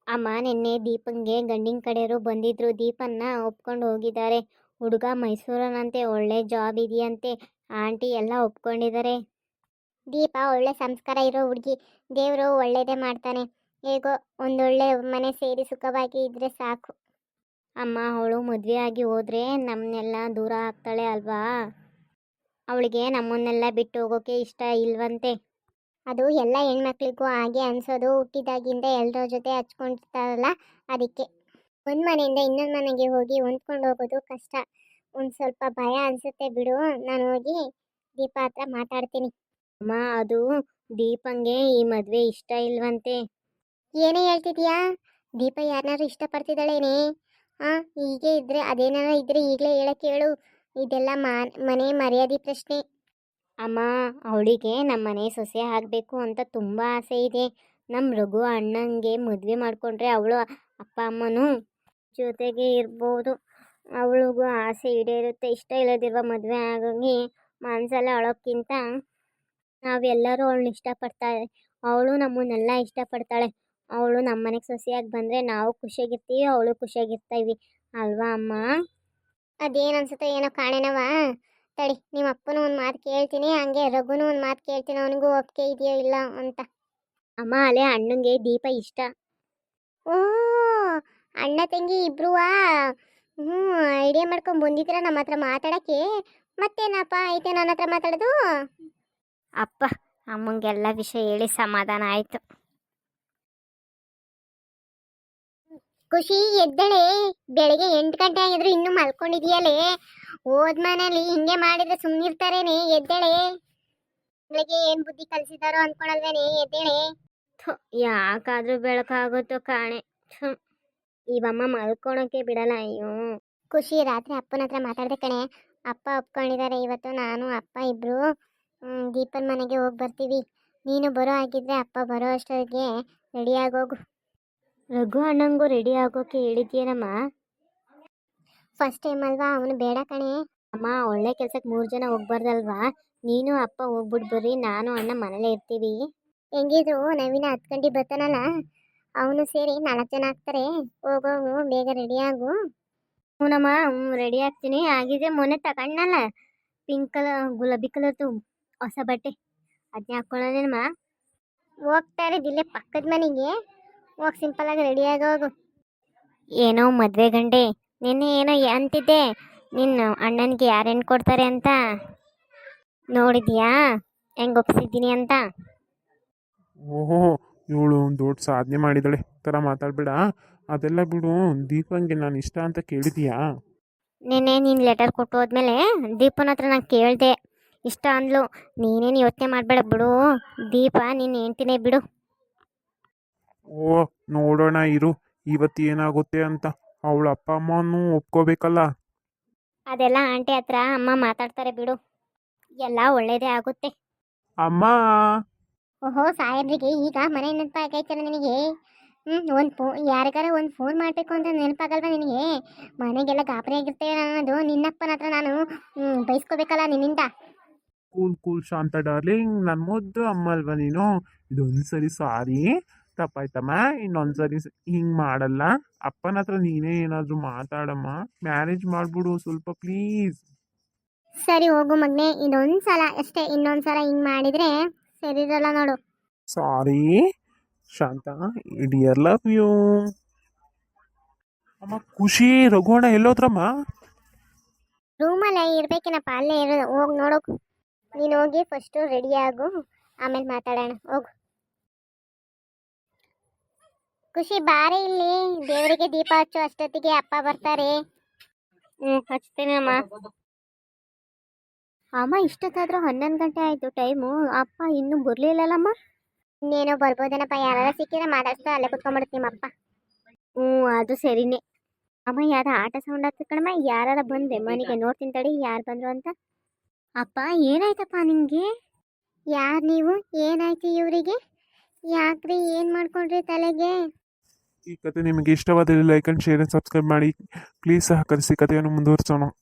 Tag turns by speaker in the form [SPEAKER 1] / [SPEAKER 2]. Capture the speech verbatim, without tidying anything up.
[SPEAKER 1] ಅಮ್ಮ ನಿನ್ನೆ ದೀಪಂಗೆ ಗಂಡಿನ ಕಡೆಯವರು ಬಂದಿದ್ರು. ದೀಪನ್ನ ಒಪ್ಕೊಂಡು ಹೋಗಿದ್ದಾರೆ. ಹುಡುಗ ಮೈಸೂರನಂತೆ, ಒಳ್ಳೆ ಜಾಬ್ ಇದೆಯಂತೆ. ಆಂಟಿ ಎಲ್ಲ ಒಪ್ಕೊಂಡಿದ್ದಾರೆ. ದೀಪ ಒಳ್ಳೆ ಸಂಸ್ಕಾರ ಇರೋ ಹುಡುಗಿ. ದೇವರು ಒಳ್ಳೇದೇ ಮಾಡ್ತಾನೆ. ಹೇಗೋ ಒಂದೊಳ್ಳೆ ಮನೆ ಸೇರಿ ಸುಖವಾಗಿ ಇದ್ರೆ ಸಾಕು. ಅಮ್ಮ ಅವಳು ಮದುವೆ ಆಗಿ ಹೋದ್ರೆ ನಮ್ಮನ್ನೆಲ್ಲ ದೂರ ಆಗ್ತಾಳೆ ಅಲ್ವಾ. ಅವಳಿಗೆ ನಮ್ಮನ್ನೆಲ್ಲ ಬಿಟ್ಟು ಹೋಗೋಕೆ ಇಷ್ಟ ಇಲ್ವಂತೆ. ಅದು ಎಲ್ಲ ಹೆಣ್ಮಕ್ಳಿಗೂ ಹಾಗೆ ಅನ್ಸೋದು. ಹುಟ್ಟಿದಾಗಿಂದ ಎಲ್ಲರ ಜೊತೆ ಹಚ್ಕೊಂಡಿರ್ತಾರಲ್ಲ, ಅದಕ್ಕೆ. ಒಂದು ಮನೆಯಿಂದ ಇನ್ನೊಂದು ಮನೆಗೆ ಹೋಗಿ ಹೊಂದ್ಕೊಂಡು ಹೋಗೋದು ಕಷ್ಟ. ಒಂದು ಸ್ವಲ್ಪ ಭಯ ಅನಿಸುತ್ತೆ ಬಿಡು. ನಾನು ಹೋಗಿ ದೀಪ ಹತ್ರ ಮಾತಾಡ್ತೀನಿ. ಅಮ್ಮ ಅದು ದೀಪಂಗೆ ಈ ಮದುವೆ ಇಷ್ಟ ಇಲ್ವಂತೆ. ಏನೇ ಹೇಳ್ತಿದ್ಯಾ? ದೀಪ ಯಾರನ್ನಾರು ಇಷ್ಟಪಡ್ತಿದ್ದಾಳೇನೆ? ಹಾಂ, ಹೀಗೆ ಇದ್ರೆ ಅದೇನಾರ ಇದ್ರೆ ಈಗಲೇ ಹೇಳಕ್ಕೆ ಹೇಳು. ಇದೆಲ್ಲ ಮನೆ ಮರ್ಯಾದೆ ಪ್ರಶ್ನೆ. ಅಮ್ಮ ಅವಳಿಗೆ ನಮ್ಮ ಮನೆ ಸೊಸೆ ಆಗಬೇಕು ಅಂತ ತುಂಬ ಆಸೆ ಇದೆ. ನಮ್ಮ ರಘು ಅಣ್ಣಂಗೆ ಮದುವೆ ಮಾಡಿಕೊಂಡ್ರೆ ಅವಳು ಅಪ್ಪ ಅಮ್ಮನೂ ಜೊತೆಗೆ ಇರ್ಬೋದು. ಅವಳಿಗೂ ಆಸೆ ಈಡೇರುತ್ತೆ. ಇಷ್ಟ ಇಲ್ಲದಿರುವ ಮದುವೆ ಆಗೋಗಿ ಮನಸ್ಸಲ್ಲಿ ಅಳೋಕ್ಕಿಂತ ನಾವೆಲ್ಲರೂ ಅವಳನ್ನ ಇಷ್ಟಪಡ್ತಾಳೆ. ಅವಳು ನಮ್ಮನ್ನೆಲ್ಲ ಇಷ್ಟಪಡ್ತಾಳೆ. ಅವಳು ನಮ್ಮ ಮನೆಗೆ ಸೊಸೆಯಾಗಿ ಬಂದರೆ ನಾವು ಖುಷಿಯಾಗಿರ್ತೀವಿ, ಅವಳು ಖುಷಿಯಾಗಿರ್ತೀವಿ ಅಲ್ವಾ ಅಮ್ಮ? ಅದೇನು ಅನ್ಸುತ್ತೋ ಏನೋ ಕಾಣೆನವ. ತಡಿ, ನಿಮ್ಮ ಅಪ್ಪನೂ ಒಂದು ಮಾತು ಕೇಳ್ತೀನಿ, ಹಂಗೆ ರಘುನೂ ಒಂದು ಮಾತು ಕೇಳ್ತೀನಿ, ಅವನಿಗೂ ಒಪ್ಪಿಗೆ ಇದೆಯೋ ಇಲ್ಲ ಅಂತ. ಅಮ್ಮ ಅಲ್ಲೇ ಅಣ್ಣಂಗೆ ದೀಪ ಇಷ್ಟ. ಓ, ಅಣ್ಣ ತಂಗಿ ಇಬ್ರುವಾ? ಹ್ಞೂ, ಐಡಿಯಾ ಮಾಡ್ಕೊಂಡು ಬಂದಿದ್ದೀರ ನಮ್ಮ ಹತ್ರ ಮಾತಾಡೋಕ್ಕೆ. ಮತ್ತೇನಪ್ಪ ಐತೆ ನನ್ನ ಹತ್ರ ಮಾತಾಡೋದು? ಅಪ್ಪ ಅಮ್ಮಂಗೆಲ್ಲ ವಿಷಯ ಹೇಳಿ ಸಮಾಧಾನ ಆಯಿತು. ಖುಷಿ ಎದ್ದಳೆ. ಬೆಳಿಗ್ಗೆ ಎಂಟು ಗಂಟೆ ಆಗಿದ್ರು ಇನ್ನೂ ಮಲ್ಕೊಂಡಿದೆಯಲ್ಲೇ. ಹೋದ್ ಮನೇಲಿ ಹಿಂಗೆ ಮಾಡಿದ್ರೆ ಸುಮ್ಮನಿರ್ತಾರೇನೆ? ಎದ್ದೇಳೆ. ಬೆಳಿಗ್ಗೆ ಏನು ಬುದ್ಧಿ ಕಲಿಸಿದಾರೋ ಅಂದ್ಕೊಳಲ್ವೇನೆ? ಎದ್ದೇಳೆ. ಯಾಕಾದ್ರೂ ಬೆಳಕಾಗುತ್ತೋ ಕಾಣೆ. ಇವಮ್ಮ ಮಲ್ಕೊಳಕ್ಕೆ ಬಿಡಲ್ಲ. ಅಯ್ಯೋ. ಖುಷಿ ರಾತ್ರಿ ಅಪ್ಪನ ಹತ್ರ ಮಾತಾಡ್ದೆ ಕಣೆ. ಅಪ್ಪ ಒಪ್ಕೊಂಡಿದ್ದಾರೆ. ಇವತ್ತು ನಾನು ಅಪ್ಪ ಇಬ್ರು ದೀಪನ ಮನೆಗೆ ಹೋಗಿ ಬರ್ತೀವಿ. ನೀನು ಬರೋ ಆಗಿದ್ರೆ ಅಪ್ಪ ಬರೋ ಅಷ್ಟೊತ್ತಿಗೆ ರೆಡಿ ಆಗೋಗು. ರಘು ಅಣ್ಣಂಗೂ ರೆಡಿ ಆಗೋಕೆ ಹೇಳಿದ್ಯೇನಮ್ಮ? ಫಸ್ಟ್ ಟೈಮ್ ಅಲ್ವಾ, ಅವನು ಬೇಡ ಕಣೆ. ಅಮ್ಮ ಒಳ್ಳೆ ಕೆಲ್ಸಕ್ಕೆ ಮೂರು ಜನ ಹೋಗ್ಬಾರ್ದಲ್ವಾ? ನೀನು ಅಪ್ಪ ಹೋಗ್ಬಿಟ್ಟು ಬರ್ರಿ, ನಾನು ಅಣ್ಣ ಮನೇಲೇ ಇರ್ತೀವಿ. ಹೆಂಗಿದ್ರು ನವೀನ ಹತ್ತು ಗಂಟೆ ಬರ್ತಾನಲ್ಲ, ಅವನು ಸೇರಿ ನಾಲ್ಕು ಜನ ಆಗ್ತಾರೆ. ಹೋಗೋಗು, ಬೇಗ ರೆಡಿ ಆಗು. ಹ್ಞೂನಮ್ಮ, ಹ್ಞೂ ರೆಡಿ ಆಗ್ತೀನಿ. ಆಗಿದ್ರೆ ಮೊನ್ನೆ ತಗೊಂಡಲ್ಲ ಪಿಂಕ್ ಕಲರ್ ಗುಲಾಬಿ ಕಲರ್ದು ಹೊಸ ಬಟ್ಟೆ, ಅದನ್ನೇ ಹಾಕ್ಕೊಳ್ಳೋದೇನಮ್ಮ? ಹೋಗ್ತಾರೆ ಇಲ್ಲೇ ಪಕ್ಕದ ಮನೆಗೆ. ಹೋಗಿ ಸಿಂಪಲಾಗಿ ರೆಡಿ ಆಗೋಗು. ಏನೋ ಮದುವೆ ಗಂಡೆ, ನಿನ್ನೆ ಏನೋ ಅಂತಿದ್ದೆ, ನಿನ್ನ ಅಣ್ಣನಿಗೆ ಯಾರೇನು ಕೊಡ್ತಾರೆ ಅಂತ ನೋಡಿದ್ಯಾ? ಹೆಂಗೆ ಒಪ್ಸಿದ್ದೀನಿ ಅಂತ.
[SPEAKER 2] ಓಹೋ, ಇವಳು ಒಂದು ದೊಡ್ಡ ಸಾಧನೆ ಮಾಡಿದಳೆ ಥರ ಮಾತಾಡ್ಬೇಡ. ಅದೆಲ್ಲ ಬಿಡು. ದೀಪಂಗೆ ನಾನು ಇಷ್ಟ ಅಂತ ಕೇಳಿದೀಯಾ?
[SPEAKER 1] ನೆನ್ನೆ ನೀನು ಲೆಟರ್ ಕೊಟ್ಟು ಹೋದ್ಮೇಲೆ ದೀಪನ ಹತ್ರ ನಾನು ಕೇಳಿದೆ, ಇಷ್ಟ ಅಂದ್ಲು. ನೀನೇನು ಯೋಚನೆ ಮಾಡಬೇಡ ಬಿಡು. ದೀಪ ನೀನು ಹೇಳ್ತೀನಿ ಬಿಡು.
[SPEAKER 2] ಓ, ನೋಡೋಣ ಇರು ಇವತ್ತು ಏನಾಗುತ್ತೆ ಅಂತ. ಅವಳ ಅಪ್ಪ ಅಮ್ಮನೂ ಒಪ್ಕೋಬೇಕಲ್ಲ.
[SPEAKER 1] ಅದೆಲ್ಲ ಆಂಟಿ ಹತ್ರ ಅಮ್ಮ ಮಾತಾಡ್ತಾರೆ ಬಿಡು. ಎಲ್ಲ ಒಳ್ಳೇದೇ ಆಗುತ್ತೆ.
[SPEAKER 2] ಅಮ್ಮ.
[SPEAKER 1] ಓಹೋ, ಸಾಹೇಬ್ರಿಗೆ ಈಗ ಮನೆ ನೆನಪಾಗೈತಲ್ಲ ನಿನಗೆ? ಹ್ಞೂ, ಒಂದು ಫೋ ಯಾರಿಗಾರ ಒಂದು ಫೋನ್ ಮಾಡಬೇಕು ಅಂತ ನೆನಪಾಗಲ್ವ ನಿನಗೆ? ಮನೆಗೆಲ್ಲ ಗಾಬರಿ ಆಗಿರ್ತೇವೆ ಅನ್ನೋದು ನಿನ್ನಪ್ಪನ ಹತ್ರ ನಾನು ಬೈಸ್ಕೋಬೇಕಲ್ಲ ನಿನ್ನಿಂದ.
[SPEAKER 2] ಕೂಲ್ ಕೂಲ್ ಶಾಂತ ಡಾರ್ಲಿಂಗ್, ನನ್ನ ಮುದ್ದು ಅಮ್ಮ ಅಲ್ವಾ ನೀನು? ಇದೊಂದು ಸರಿ ಸಾರಿ ತಪ್ಪಾಯ್ತಮ್ಮ. ಇನ್ನೊಂದ್ಸರಿ ಹಿಂಗೆ ಮಾಡಲ್ಲ. ಅಪ್ಪನ ಹತ್ರ ನೀನೇ ಏನಾದರೂ ಮಾತಾಡಮ್ಮ. ಮ್ಯಾರೇಜ್ ಮಾಡ್ಬಿಡು ಸ್ವಲ್ಪ ಪ್ಲೀಸ್.
[SPEAKER 1] ಸರಿ ಹೋಗು ಮಗನೆ, ಇದೊಂದು ಸಲ ಅಷ್ಟೇ. ಇನ್ನೊಂದು ಸಲ ಹಿಂಗೆ ಮಾಡಿದರೆ ಸರಿ ಇರಲ್ಲ ನೋಡು.
[SPEAKER 2] Sorry Shanta, dear love you. ಅಮ್ಮ ಖುಷಿ, ರಘುವಣ್ಣ ಎಲ್ಲೋದ್ರಮ್ಮ?
[SPEAKER 1] ರೂಮಲ್ಲೇ ಇರ್ಬೇಕೇನಪ್ಪ, ಅಲ್ಲೇ ಇರೋದು. ಹೋಗಿ ನೋಡೋಕು. ನೀನು ಹೋಗಿ ಫಸ್ಟು ರೆಡಿ ಆಗು, ಆಮೇಲೆ ಮಾತಾಡೋಣ. ಹೋಗು. ಖುಷಿ ಬಾರಿ ಇಲ್ಲಿ. ದೇವರಿಗೆ ದೀಪ ಹಚ್ಚು ಅಷ್ಟೊತ್ತಿಗೆ ಅಪ್ಪ ಬರ್ತಾರೆ. ಹ್ಞೂ ಹಚ್ತೇನೆ ಅಮ್ಮ. ಅಮ್ಮ ಇಷ್ಟೊತ್ತಾದರೂ ಹನ್ನೊಂದು ಗಂಟೆ ಆಯಿತು ಟೈಮು. ಅಪ್ಪ ಇನ್ನೂ ಬರಲಿಲ್ಲಲ್ಲಮ್ಮ? ಇನ್ನೇನೋ ಬರ್ಬೋದೇನಪ್ಪ. ಯಾರು ಸಿಕ್ಕಿದ್ರೆ ಮಾತಾಡ್ತಾ ಅಲ್ಲೇ ಕುತ್ಕೊಂಡ್ಬಿಡುತ್ತೆ ನಿಮ್ಮಪ್ಪ. ಹ್ಞೂ ಅದು ಸರಿನೇ. ಅಮ್ಮ ಯಾರ ಆಟ ಸೌಂಡ್ ಆಗ್ತದೆ ಕಣಮ್ಮ. ಯಾರು ಬಂದೆ ಮನೆಗೆ ನೋಡ್ತೀನಿ ತಡಿ ಯಾರು ಬಂದರು ಅಂತ. ಅಪ್ಪ ಏನಾಯ್ತಪ್ಪ ನಿಮಗೆ? ಯಾರು ನೀವು? ಏನಾಯ್ತು ಇವರಿಗೆ? ಯಾಕ್ರಿ ಏನು ಮಾಡ್ಕೊಂಡ್ರಿ ತಲೆಗೆ?
[SPEAKER 2] ಈ ಕತೆ ನಿಮಗೆ ಇಷ್ಟವಾದಲ್ಲಿ like and share and subscribe ಮಾಡಿ ಪ್ಲೀಸ್. ಸಹಕರಿಸಿ ಕಥೆಯನ್ನು ಮುಂದುವರಿಸೋಣ.